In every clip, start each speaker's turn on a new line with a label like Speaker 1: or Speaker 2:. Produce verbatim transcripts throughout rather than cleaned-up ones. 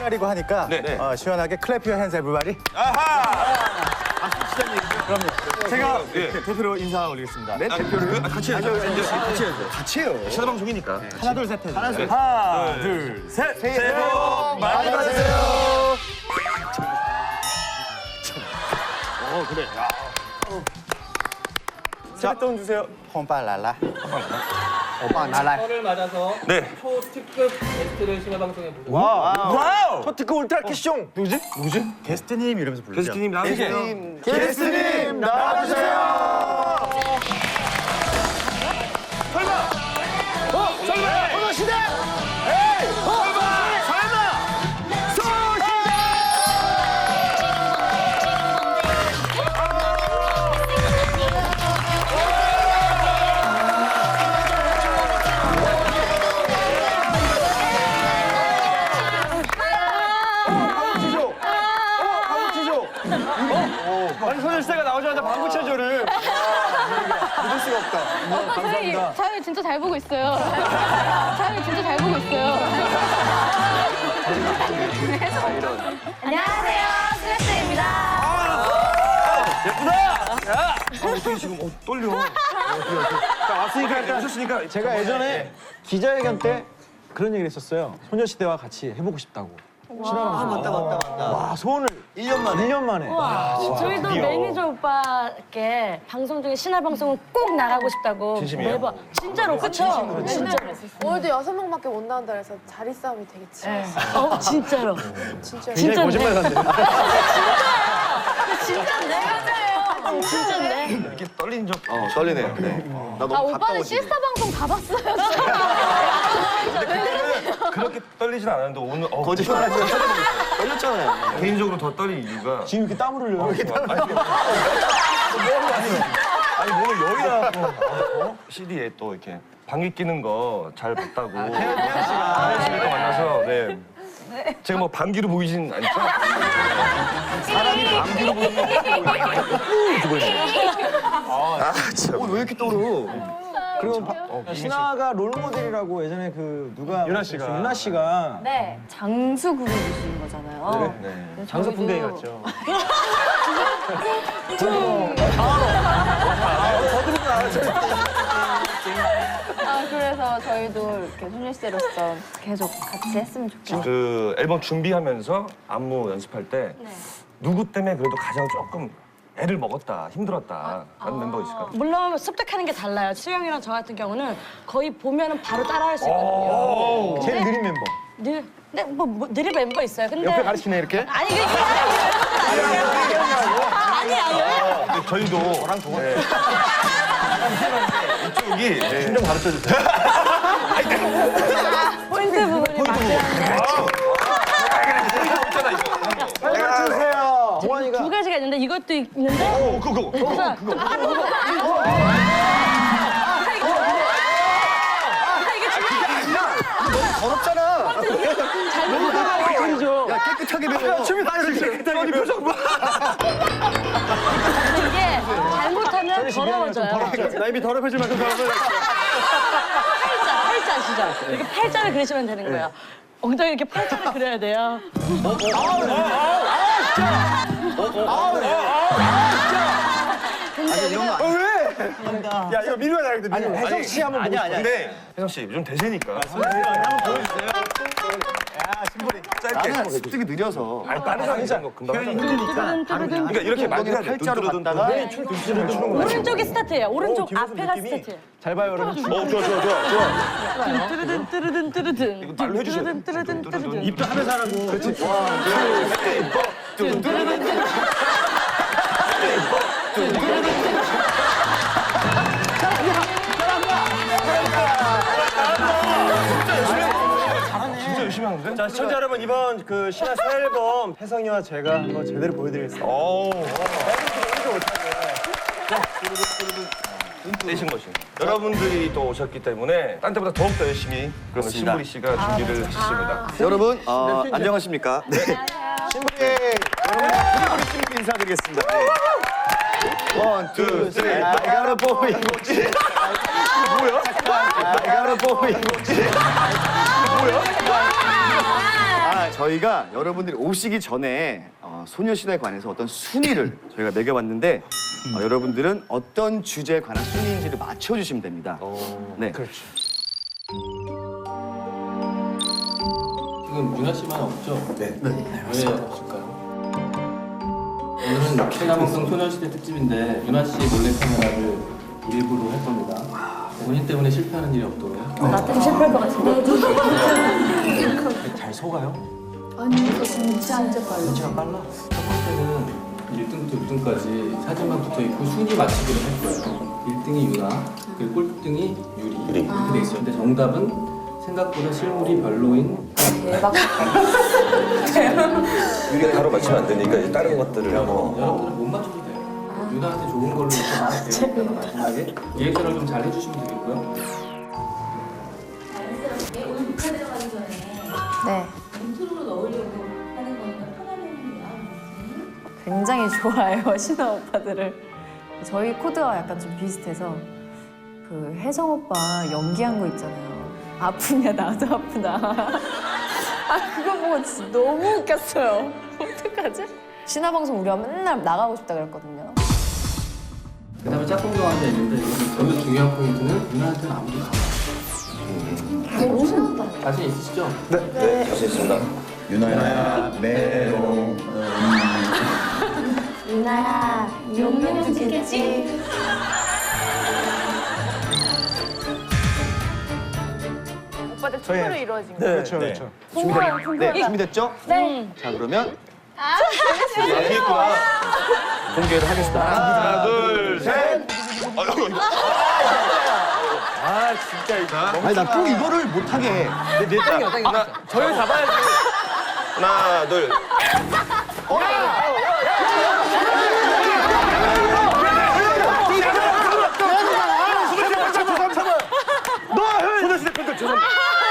Speaker 1: 설날이고 하니까
Speaker 2: 네, 네.
Speaker 1: 어, 시원하게 클래프 유어 핸즈 에브리바디.
Speaker 2: 아하!
Speaker 1: 그럼요. 제가
Speaker 2: 예.
Speaker 1: 대표로 인사 올리겠습니다.
Speaker 2: 네, 대표를 아, 같이 해야죠. 같이 해야죠.
Speaker 1: 같이 해요.
Speaker 2: 시사 방송이니까.
Speaker 1: 하나 둘 셋 해주세요. 하나 둘,
Speaker 2: 하나,
Speaker 1: 둘 셋.
Speaker 2: 새해 복 많이 받으세요.
Speaker 1: 어 그래. 세뱃돈 주세요. 홈빨랄라. 오빠 날라.
Speaker 3: 설을 맞아서
Speaker 2: 네.
Speaker 3: 초특급 게스트를 심야방송에 모셨습니다.
Speaker 2: 와우!
Speaker 1: 초특급 울트라 캐시종. 누구지? 누구지? 게스트님 이러면서 부르죠.
Speaker 2: 게스트님 나오세요.
Speaker 1: 게스트님 나와주세요.
Speaker 4: 아니 소녀시대가 나오자마자 방구 체조를.
Speaker 1: 믿을 수가 없다.
Speaker 5: 오빠 저희, 저희 진짜 잘 보고 있어요. 저희 진짜 잘 보고 있어요. 안녕하세요, 소녀시대입니다.
Speaker 2: 아, 어떻게 지금 어, 떨려. 자, 왔으니까 일단 하셨으니까
Speaker 4: 제가 예전에 기자회견 때 그런 얘기를 했었어요. 소녀시대와 같이 해보고 싶다고. 신화방송.
Speaker 1: 맞다 맞다 맞다.
Speaker 4: 와 소원을 일 년 만에. 일 년 만에.
Speaker 6: 저희도 매니저 오빠께 방송 중에 신화 방송은 꼭 나가고 싶다고
Speaker 2: 진심이에요?
Speaker 6: 매번 진짜로 그쵸? 진짜로.
Speaker 7: 오늘도 여섯 명밖에 못 나온다 그래서 자리 싸움이 되게 치열했어요.
Speaker 6: 어 진짜로.
Speaker 7: 진짜.
Speaker 6: 진짜
Speaker 4: 거짓말 같네.
Speaker 6: 진짜인데 맞아요. 진짜인데.
Speaker 2: 이렇게 떨린 적
Speaker 1: 어 떨리네요. 네. 나 너무
Speaker 5: 아, 오빠는 시스타 방송 다 봤어요.
Speaker 2: 그렇게 떨리진 않았는데 오늘 어,
Speaker 1: 거짓말 하지 떨렸잖아요.
Speaker 2: 개인적으로 더 떨린 이유가
Speaker 4: 지금 이렇게 땀을 흘려요.
Speaker 2: 아니 몸을 여기다 어? 씨디에 또 이렇게 방귀 끼는 거 잘 봤다고 태연 씨가 태연 씨가 만나서 네. 제가 뭐 방귀로 보이진 않죠? 사람이 방귀로 보이는 거 아, 참.
Speaker 1: 왜 이렇게 떨어?
Speaker 4: 그리고 바- 어, 신화가 롤 모델이라고 예전에 그 누가
Speaker 2: 유나 씨가.
Speaker 4: 유나 씨가
Speaker 6: 네. 장수국을 주시는 거잖아요.
Speaker 2: 네.
Speaker 4: 장서 풍뎅이 같죠.
Speaker 5: 아, 그래서 저희도 이렇게 소녀시대로서 계속 같이 했으면 좋겠어요.
Speaker 2: 그 앨범 준비하면서 안무 연습할 때 누구 때문에 그래도 가장 조금 애를 먹었다, 힘들었다 라는 멤버 있을까요?
Speaker 6: 물론 습득하는 게 달라요. 수영이랑 저 같은 경우는 거의 보면은 바로 따라할 수
Speaker 2: 오.
Speaker 6: 있거든요.
Speaker 4: 제일 느린 멤버.
Speaker 6: 늘, 네, 뭐, 뭐 느릴 멤버 있어요. 근데
Speaker 4: 옆에 가르치네 이렇게.
Speaker 6: 아니 그게 아니 아니에요.
Speaker 2: 근데 저희도 저랑 동안 이쪽이 네.
Speaker 4: 좀 가르쳐 주세요.
Speaker 6: 포인트 부분이 맞는데
Speaker 4: 빨리 가르쳐 주세요. 동환이가.
Speaker 6: 두 가지가 있는데 이것도 있는데
Speaker 2: 오, 그거, 그거.
Speaker 6: 그래서
Speaker 1: 더럽잖아.
Speaker 4: 소리죠.
Speaker 1: 야 깨끗하게 배워.
Speaker 4: 춤이 다 이렇게 깨끗하게 표정 봐.
Speaker 6: 이게 잘못하면 더러워져요.
Speaker 4: 나 입이 더럽혀질 만큼 더럽혀져.
Speaker 6: 팔자, 팔자 아시죠? 이렇게 팔자를 그리시면 되는 거예요. 엉덩이 이렇게 팔자를 그려야 돼요.
Speaker 1: 아니 이런 거 아니야.
Speaker 4: 왜? 야 이거 미루야 되는데. 아니 혜성 씨 한번
Speaker 1: 아니야 아니야.
Speaker 2: 근데 혜성 씨 요즘 대세니까.
Speaker 1: 나는 습득이 느려서.
Speaker 2: 아니 다른 사람 이런 거 금방 하잖아.
Speaker 6: 뚜루든
Speaker 2: 그러니까 이렇게 많이 해야 돼.
Speaker 1: 팔자로 갔다가
Speaker 6: 오른쪽이 스타트예요. 오른쪽 앞에가 스타트.
Speaker 4: 잘 봐요 여러분.
Speaker 2: 어, 좋아, 좋아, 좋아, 좋아.
Speaker 6: 뚜루든 뚜루든 뚜루든.
Speaker 2: 이거 말로 해주셔야 돼.
Speaker 6: 뚜루든 뚜루든 뚜루든.
Speaker 4: 입도 하면서 하라고. 그렇지.
Speaker 2: 진짜 열심히 하는데?
Speaker 4: 자 시청자 여러분 이번 그 신화 새 앨범 혜성이와 제가 한번 제대로 보여드리겠습니다.
Speaker 2: 오. 떼신 것이. 여러분들이 또 오셨기 때문에 딴 때보다 더욱더 열심히 그러면
Speaker 1: 그렇습니다.
Speaker 2: 신부리 씨가 준비를 했습니다.
Speaker 1: 여러분 어, 안녕하십니까? 네. 신부의 여러분 우리 신부 인사드리겠습니다. 네. 원, 투, 쓰리. I gotta boy. 뭐야? I gotta boy. 뭐야? 아, 저희가 여러분들이 오시기 전에 어, 소녀시대에 관해서 어떤 순위를 저희가 매겨봤는데 어, 여러분들은 어떤 주제에 관한 순위인지를 맞춰주시면 됩니다. 네.
Speaker 4: 그렇죠.
Speaker 3: 지금 유나 씨만 없죠? 네. 네. 왜 없을까요? 오늘은 최나방송 소녀시대 특집인데 유나 씨 몰래카메라를 일부러 할 겁니다. 본인 때문에 실패하는 일이 없도록.
Speaker 6: 나 때문에 실패할 것 같은데.
Speaker 4: 잘 속아요?
Speaker 7: 아니 진짜 진짜 빨라.
Speaker 4: 눈치가 빨라?
Speaker 3: 첫 번째는 일 등부터 육 등까지 사진만 붙어 있고 순위 맞추기를 할 거예요. 일 등이 유나, 그리고 꼴등이 유리. 유리. 이렇게 돼 있어요. 근데 정답은 생각보다 실물이 별로인
Speaker 5: 대박.
Speaker 2: 유리가 바로 맞추면 안 되니까 이제 다른 것들을 뭐.
Speaker 3: 여러분들은 못 맞춰도 돼요. 유나한테 좋은 걸로 이렇게 말할게요. 마지막에 리액션을 좀 잘 해주시면 되겠고요.
Speaker 8: 자연스럽게 오늘 북한 들어가기 전에
Speaker 5: 네.
Speaker 8: 인트로로 넣으려고 하는 거니까 편안한 마음.
Speaker 5: 굉장히 좋아해요, 신화 오빠들을. 저희 코드가 약간 좀 비슷해서 그 혜성 오빠 연기한 거 있잖아요. 아프냐, 나도 아프다. 아, 그거 보고 진짜 너무 웃겼어요. 어떡하지? 신화 방송 우리가 맨날 나가고 싶다 그랬거든요.
Speaker 3: 그 다음에 짝꿍경 앉아 있는데 이것은 저도 중요한 포인트는 유나한테는 아무도 안 와요. 자신 있으시죠?
Speaker 2: 네, 자신 있습니다.
Speaker 1: 유나야, 메롱.
Speaker 8: 유나야, 용용 좋겠지?
Speaker 7: 오빠들 춤으로 이루어진 거.
Speaker 4: 그렇죠, 그렇죠.
Speaker 1: 준비됐, 네, 준비됐죠?
Speaker 6: 네.
Speaker 1: 자, 그러면 공개를 하겠습니다.
Speaker 2: 하나, 둘, 셋.
Speaker 4: 아, 진짜 이거.
Speaker 1: 아니, 나 꼭 이거를 못하게 해.
Speaker 4: 내, 내 땅이야, 땅이.
Speaker 2: 하나, 저를 잡아야지. 하나, 둘.
Speaker 1: 소녀시대 팬들 죄송합니다.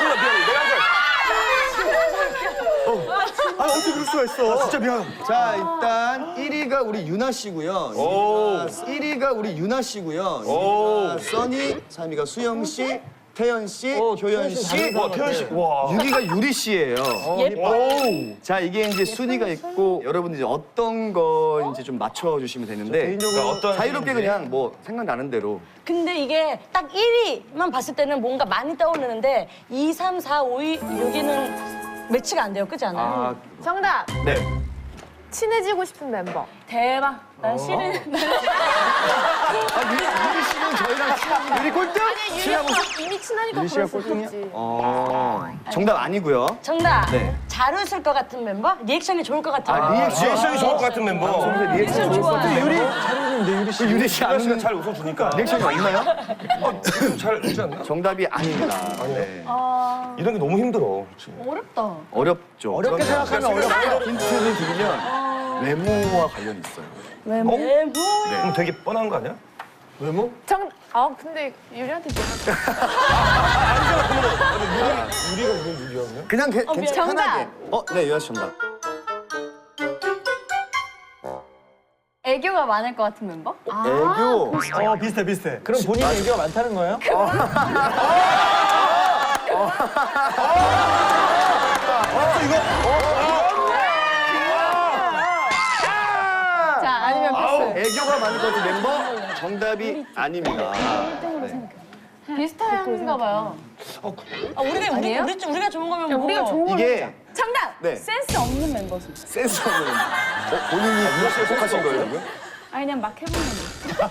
Speaker 1: 아, 어떻게 그럴 수가 있어. 진짜 미안. 자, 일단 일 위가 우리 유나 씨고요.
Speaker 2: 오.
Speaker 1: 일 위가 우리 유나 씨고요.
Speaker 2: 오.
Speaker 1: 이 위가 써니, 삼 위가 수영 씨, 태연 씨,
Speaker 4: 오,
Speaker 1: 효연
Speaker 4: 태연 씨
Speaker 1: 씨,
Speaker 4: 다른
Speaker 2: 와, 태연 씨. 와.
Speaker 1: 육 위가 유리 씨예요.
Speaker 6: 예뻐.
Speaker 1: 자, 이게 이제 순위가 있고 여러분들 이제 어떤 거인지 좀 맞춰 주시면 되는데
Speaker 2: 그러니까 어떤
Speaker 1: 자유롭게
Speaker 2: 순위인지.
Speaker 1: 그냥 뭐 생각나는 대로.
Speaker 6: 근데 이게 딱 일 위만 봤을 때는 뭔가 많이 떠오르는데 이, 삼, 사, 오 위, 육 위는 매치가 안 돼요. 그렇지 않아요?
Speaker 1: 아,
Speaker 7: 정답.
Speaker 1: 네.
Speaker 7: 친해지고 싶은 멤버.
Speaker 6: 대박. 난 싫은.
Speaker 1: 아, 유리, 유리 씨는 저희랑 친한 유리 꼴등?
Speaker 7: 아니
Speaker 1: 친하고 싶-
Speaker 7: 유리 이미 친하니까
Speaker 1: 유리 씨가
Speaker 7: 그럴 수
Speaker 1: 꼴등이야?
Speaker 7: 있지.
Speaker 1: 어, 정답 아니고요.
Speaker 6: 정답.
Speaker 1: 네.
Speaker 6: 잘 웃을 것 같은 멤버? 리액션이 좋을 것 같은
Speaker 1: 아,
Speaker 6: 멤버?
Speaker 1: 리액션.
Speaker 2: 리액션이 좋을 것 같은 멤버.
Speaker 1: 방송에서 리액션 좋을 것 같은
Speaker 6: 좋아요.
Speaker 1: 유리?
Speaker 4: 잘 웃는데, 유리 씨.
Speaker 1: 그 유리 씨
Speaker 2: 유나
Speaker 1: 안
Speaker 2: 씨가
Speaker 1: 웃는
Speaker 2: 잘 웃어주니까.
Speaker 1: 리액션이 없나요?
Speaker 2: 어, 잘 웃지 않나?
Speaker 1: 정답이 아닙니다. 네.
Speaker 2: 이런 게 너무 힘들어. 그치?
Speaker 5: 어렵다.
Speaker 1: 어렵죠.
Speaker 4: 어렵게
Speaker 1: 그러면
Speaker 4: 생각하면 어렵죠.
Speaker 1: 힌트를 드리면 외모와 관련이 있어요.
Speaker 6: 외모. 외모.
Speaker 2: 그럼 되게 뻔한 거 아니야?
Speaker 4: 외모?
Speaker 7: 정. 아 근데 유리한테 좀.
Speaker 2: 유리가 이거 유리하냐?
Speaker 1: 그냥 게, 괜찮
Speaker 5: 정답.
Speaker 1: 편하게. 어, 네, 유아 씨 정답.
Speaker 5: 애교가 많을 것 같은 멤버?
Speaker 1: 애교.
Speaker 4: 어, 비슷해, 비슷해. 그럼 본인이 애교가 많다는 거예요?
Speaker 5: 자, 아니면 패스.
Speaker 1: 애교가 많을 것 같은 멤버 정답이 아닙니다. 네.
Speaker 5: 비슷한가 봐요.
Speaker 6: 아, 우리가 우리,
Speaker 5: 아니에요?
Speaker 6: 우리 우리가 좋은 거면 뭐.
Speaker 5: 우리가 좋은 걸
Speaker 1: 이게
Speaker 5: 정답!
Speaker 1: 네.
Speaker 5: 센스 없는 멤버.
Speaker 1: 센스 없는 어, 본인이 유아 씨에 속하신 거예요?
Speaker 5: 아니, 그냥 막 해보는 거.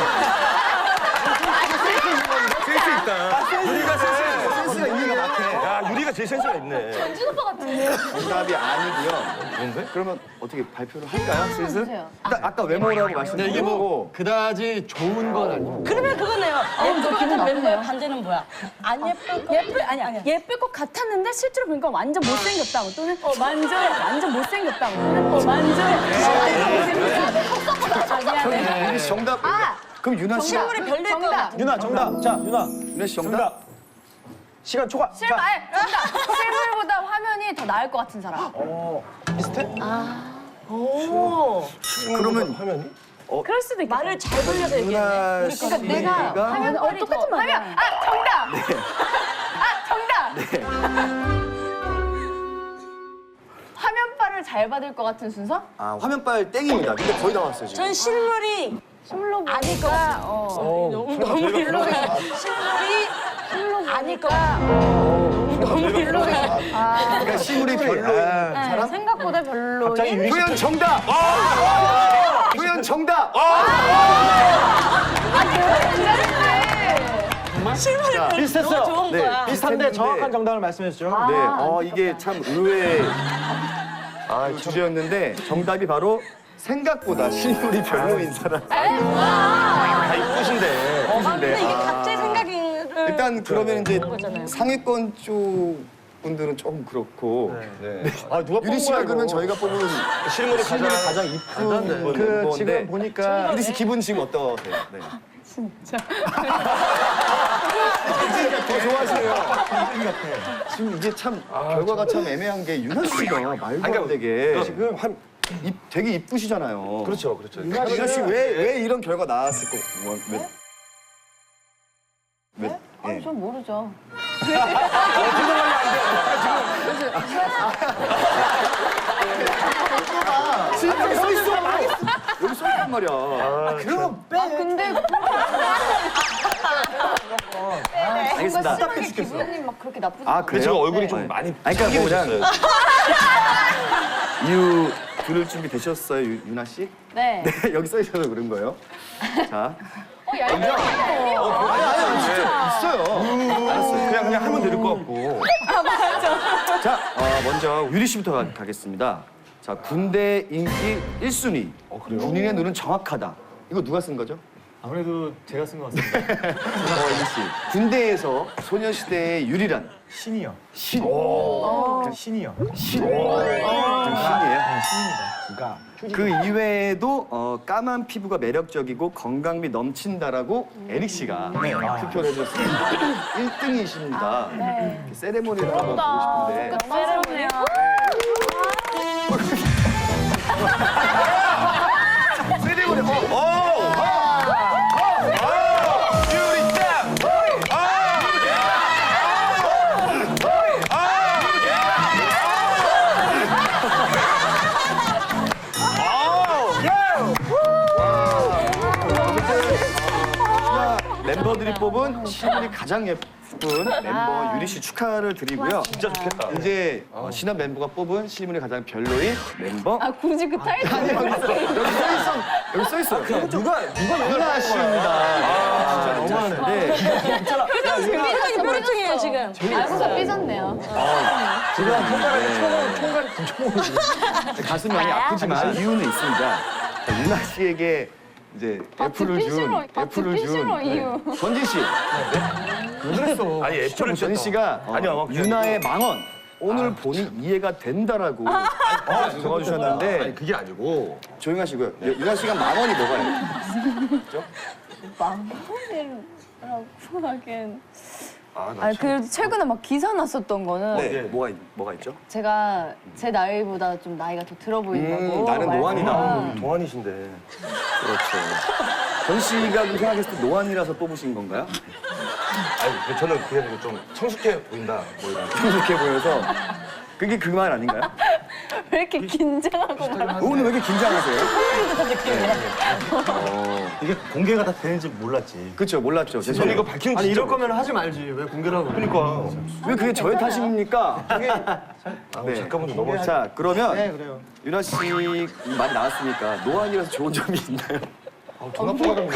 Speaker 2: 센스 있다. 유리가 센스 있어.
Speaker 1: 센스가 있는 것 같아.
Speaker 2: 야, 유리가 제일 센스가 있네.
Speaker 1: 정답이 아니고요.
Speaker 2: 뭔데?
Speaker 1: 그러면 어떻게 발표를 할까요, 슬슬?
Speaker 5: 해주세요.
Speaker 1: 일단 아까 외모라고 말씀드리고
Speaker 4: 그다지 좋은 건 아니고.
Speaker 6: 그러면 그거네요. 예쁠 것 같은 멤버의 반대는 뭐야? 안 예쁠 것
Speaker 5: 예쁠 아니 아니 예쁠 것 같았는데 실제로 보니까 완전 못생겼다고 또는 어 완전 완전 못생겼다고 또는 어 완전 못생겼다고. 아 미안해.
Speaker 1: 유리 씨 정답.
Speaker 5: 아!
Speaker 1: 그럼 유나 씨.
Speaker 6: 실물이 별로일 것
Speaker 5: 정답.
Speaker 6: 같아.
Speaker 4: 유나, 정답. 자, 유나.
Speaker 1: 유나 씨 정답.
Speaker 4: 정답. 시간 초과.
Speaker 5: 실물 아니 정답. 실물보다 화면이 더 나을 것 같은 사람.
Speaker 4: 비슷해?
Speaker 6: 오.
Speaker 1: 그러면
Speaker 2: 화면이?
Speaker 5: 그럴 수도 있겠다.
Speaker 6: 말을 잘 돌려서 얘기했네.
Speaker 1: 유나
Speaker 5: 그러니까 내가
Speaker 1: 씨가
Speaker 5: 화면 어, 똑같은 말이야. 아 정답. 아 정답. 잘 받을 것 같은 순서?
Speaker 1: 아, 화면빨 땡입니다. 근데 거의 다 왔어요, 지금.
Speaker 6: 전 실물이
Speaker 5: 실물로
Speaker 6: 아닐 것
Speaker 5: 보니까
Speaker 6: 같아요.
Speaker 5: 어,
Speaker 6: 너무 너무 일로가 실물이
Speaker 5: 실물로
Speaker 6: 아닐 것 같아요. 너무 일로가
Speaker 1: 그러니까 실물이 별로인 사람?
Speaker 5: 생각보다 별로인
Speaker 1: 표현 정답! 표현 정답!
Speaker 6: 실물이 별로
Speaker 4: 비슷했어요.
Speaker 6: 너무 좋은
Speaker 1: 네,
Speaker 6: 거야.
Speaker 4: 비슷한데
Speaker 1: 비슷했는데-
Speaker 4: 정확한 정답을 말씀해 주죠.
Speaker 1: 네, 어, 이게 참 의외의 아, 주제였는데 정답이 바로 생각보다 실물이 별로인 사람.
Speaker 2: 다 이쁘신데.
Speaker 6: 아, 근데 이게
Speaker 1: 아.
Speaker 6: 각자의 생각을
Speaker 1: 일단 그러면 이제
Speaker 6: 거잖아요.
Speaker 1: 상위권 쪽 분들은 조금 그렇고
Speaker 2: 네.
Speaker 4: 아 누가
Speaker 1: 유리 씨가 그러면 저희가 뽑은
Speaker 2: 실물이 가장
Speaker 1: 가장 이쁜
Speaker 4: 그
Speaker 1: 멤버인데
Speaker 4: 지금 보니까
Speaker 1: 유리 씨 기분 지금 어떠세요? 네. 진짜 더 좋아하시네요. 지금 이게 참 결과가 참 애매한 게 유나 씨가 말도 안 되게 지금 한 입, 되게 이쁘시잖아요.
Speaker 2: 그렇죠, 그렇죠.
Speaker 1: 유나 씨 왜 왜 이런 결과 나왔을 거? 뭐, 왜? 왜? 예.
Speaker 5: 전 모르죠.
Speaker 1: 여기 써 있어. 여기 써 있단 말이야. 그럼
Speaker 5: 아 근데
Speaker 1: 알겠습니다.
Speaker 5: 뭔가 심하게 기분이 막 그렇게 나쁘지
Speaker 1: 아
Speaker 2: 근데
Speaker 1: 그래요?
Speaker 2: 제가 얼굴이
Speaker 1: 네.
Speaker 2: 좀 많이
Speaker 1: 아니, 그러니까 뭐
Speaker 2: 셨어요
Speaker 1: 이유 들을 준비 되셨어요, 유, 유나 씨?
Speaker 5: 네.
Speaker 1: 네, 여기 써 있어서 그런 거예요. 자,
Speaker 5: 어, 얄미워.
Speaker 1: 있어요.
Speaker 2: 알았어요. 그냥 그냥 하면 될 것 같고.
Speaker 1: 자, 어, 먼저 유리 씨부터 가, 가겠습니다. 자, 군대 인기 일 순위.
Speaker 2: 어, 그래요?
Speaker 1: 군인의 눈은 정확하다. 이거 누가 쓴 거죠?
Speaker 4: 아무래도 제가 쓴 것 같습니다.
Speaker 1: 어, 유리 씨. 군대에서 소녀시대의 유리란
Speaker 4: 신이요.
Speaker 1: 신.
Speaker 4: 그냥 신이요.
Speaker 1: 신. 좀 신이에요.
Speaker 4: 네, 신입니다. 그러니까
Speaker 1: 그 이외에도 어, 까만 피부가 매력적이고 건강미 넘친다라고 에릭 씨가 투표를 해줬습니다. 일 등이십니다. 세레모니를 한번 보고 싶은데.
Speaker 5: 세레모니요.
Speaker 1: 세레모니. 어, 멤버들이 뽑은 실물이 가장 예쁜 멤버 유리 씨 축하를 드리고요.
Speaker 2: 진짜 좋겠다.
Speaker 1: 이제 어, 신한 멤버가 뽑은 실물이 가장 별로인 멤버.
Speaker 5: 아 굳이 그 타이틀.
Speaker 1: 여기 써 있어. 여기 써 있어요.
Speaker 4: 누가 누가
Speaker 1: 유나 씨입니다. 아, 진짜 너무하는데.
Speaker 6: 표정이 표정이에요 지금.
Speaker 5: 알고서 삐졌네요.
Speaker 1: 지금 가슴이 많이 아프지만 이유는 있습니다. 자, 유나 씨에게 이제 애플을
Speaker 5: 듣기
Speaker 1: 준
Speaker 5: 싫어. 아,
Speaker 1: 애플을
Speaker 5: 듣기
Speaker 1: 준
Speaker 5: 싫어,
Speaker 1: 네.
Speaker 5: 이유.
Speaker 1: 전진 씨.
Speaker 4: 그랬어.
Speaker 2: 아니 애플을
Speaker 1: 전진 씨가 어,
Speaker 2: 아니요, 그냥
Speaker 1: 유나의 망언 오늘 보니 이해가 된다라고 어, 적어주셨는데
Speaker 2: 아니 그게 아니고
Speaker 1: 조용하시고요. 유- 유나 씨가 망언이 뭐가요?
Speaker 5: 망언이라고 하긴.
Speaker 2: 아, 나
Speaker 5: 아니 그래도 최근에 막 기사 났었던 거는
Speaker 1: 네, 뭐가 있- 뭐가 있죠?
Speaker 5: 제가 제 나이보다 좀 나이가 더 들어 보인다고.
Speaker 1: 음, 나는
Speaker 5: 말씀을-
Speaker 1: 노안이다.
Speaker 2: 아, 동안이신데.
Speaker 1: 그렇죠. 전 씨가 그렇게 생각했을 때 노안이라서 뽑으신 건가요?
Speaker 2: 아니 근데 저는 그게 아니고 좀 성숙해 보인다 뭐 이런.
Speaker 1: 성숙해 보여서 그게 그 말 아닌가요?
Speaker 5: 왜 이렇게 긴장하고 막.
Speaker 1: 오늘 왜 이렇게 긴장하세요?
Speaker 4: 이게 공개가 다 되는지 몰랐지.
Speaker 1: 그렇죠, 몰랐죠.
Speaker 2: 저는
Speaker 1: 죄송해요.
Speaker 2: 이거 밝히는
Speaker 4: 아니
Speaker 2: 진짜
Speaker 4: 이럴 거면 하지 말지. 왜 공개를 하고?
Speaker 2: 그러니까.
Speaker 1: 왜 그게 저의 탓입니까? 그게
Speaker 2: 아, 잠깐만 좀 넘어.
Speaker 1: 자, 그러면
Speaker 4: 네 그래요.
Speaker 1: 유나 씨 말이 나왔으니까 노안이라서 좋은 점이 있나요?
Speaker 2: 돈 아프거든요.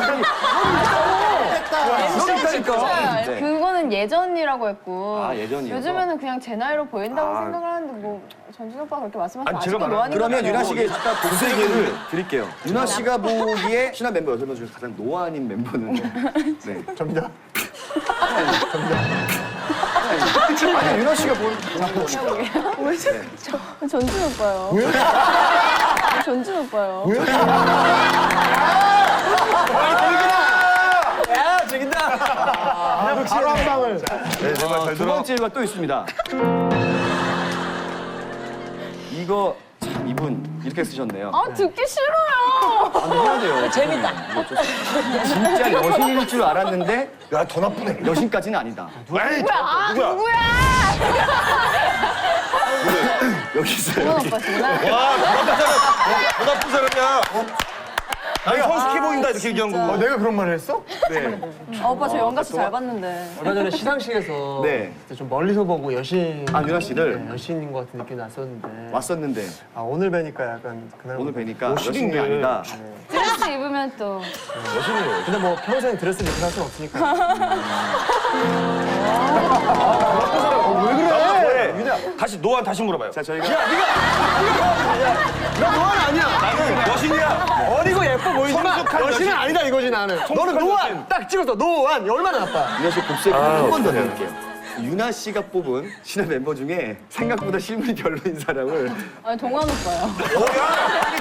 Speaker 1: 그러니까. 네.
Speaker 5: 그거는 예전이라고 했고.
Speaker 1: 아, 예전이어서?
Speaker 5: 요즘에는 그냥 제 나이로 보인다고
Speaker 1: 아.
Speaker 5: 생각을 하는데 뭐 전준 오빠가 그렇게 말씀하시면
Speaker 2: 아니, 제가
Speaker 5: 아직도
Speaker 2: 말한-
Speaker 5: 노안인
Speaker 1: 그러면
Speaker 5: 것
Speaker 1: 유나
Speaker 5: 같아요.
Speaker 1: 씨에게 딱 두세 개를 드릴게요. 유나 씨가 보기에 신한 member 여섯 명 중에서 가장 노안인 멤버는 네.
Speaker 4: 접니다.
Speaker 1: 아니 유나 씨가 보는
Speaker 5: 왜 저, 전준 오빠요. 전준 오빠요.
Speaker 1: 야 죽인다.
Speaker 4: 바로 한 방을.
Speaker 2: 네, 내 말 잘
Speaker 1: 두
Speaker 2: 들어.
Speaker 1: 번째가 또 있습니다. 이거 참 이분 이렇게 쓰셨네요.
Speaker 5: 아 듣기 싫어요.
Speaker 1: 안 해야 돼요.
Speaker 6: 재밌다.
Speaker 1: 이거 좀- 진짜 여신일 줄 알았는데
Speaker 2: 야, 더 나쁘네.
Speaker 1: 여신까지는 아니다.
Speaker 2: 에이,
Speaker 5: 아
Speaker 2: 누구야?
Speaker 5: 누구야?
Speaker 1: 여기 있어요.
Speaker 5: 동원
Speaker 1: 여기.
Speaker 5: 오빠시구나.
Speaker 2: 와, 돈 나쁜 사람. 돈 나쁜 사람이야. 아니, 성숙해 보인다, 이렇게 얘기한
Speaker 5: 진짜.
Speaker 2: 거고.
Speaker 4: 내가 그런 말을 했어?
Speaker 1: 네.
Speaker 5: 아, 오빠 저 연가씨 잘 봤는데.
Speaker 9: 얼마 전에 시상식에서
Speaker 1: 네.
Speaker 9: 그때 좀 멀리서 보고 여신
Speaker 1: 아, 유나 씨를?
Speaker 9: 네, 여신인 것 같은 느낌이 났었는데
Speaker 1: 왔었는데
Speaker 4: 아 오늘 뵈니까 약간 그날
Speaker 1: 오늘 뵈니까
Speaker 2: 멋있는데.
Speaker 1: 여신이 아니다.
Speaker 5: 드레스 입으면 또.
Speaker 2: 여신이에요.
Speaker 9: 근데 뭐 평생 드레스 입고 살 수는 없으니까
Speaker 2: 왜 그래? 유나. 다시, 노안 다시 물어봐요.
Speaker 1: 자, 저희가
Speaker 9: 나 노안 아니야.
Speaker 2: 나는 여신이야.
Speaker 9: 어리고 예뻐 보이지만
Speaker 2: 성숙한
Speaker 9: 여신은
Speaker 2: 여신.
Speaker 9: 아니다 이거지 나는. 너는
Speaker 2: 성숙한
Speaker 9: 노안
Speaker 2: 여신.
Speaker 9: 딱 찍어서 노안 얼마나 나빠.
Speaker 1: 유나 씨 곱슬 한 번 더 드릴게요. 유나 씨가 뽑은 신화 멤버 중에 생각보다 실물이 별로인 사람을
Speaker 5: 아니, 동원 오빠요.
Speaker 2: 어, 야!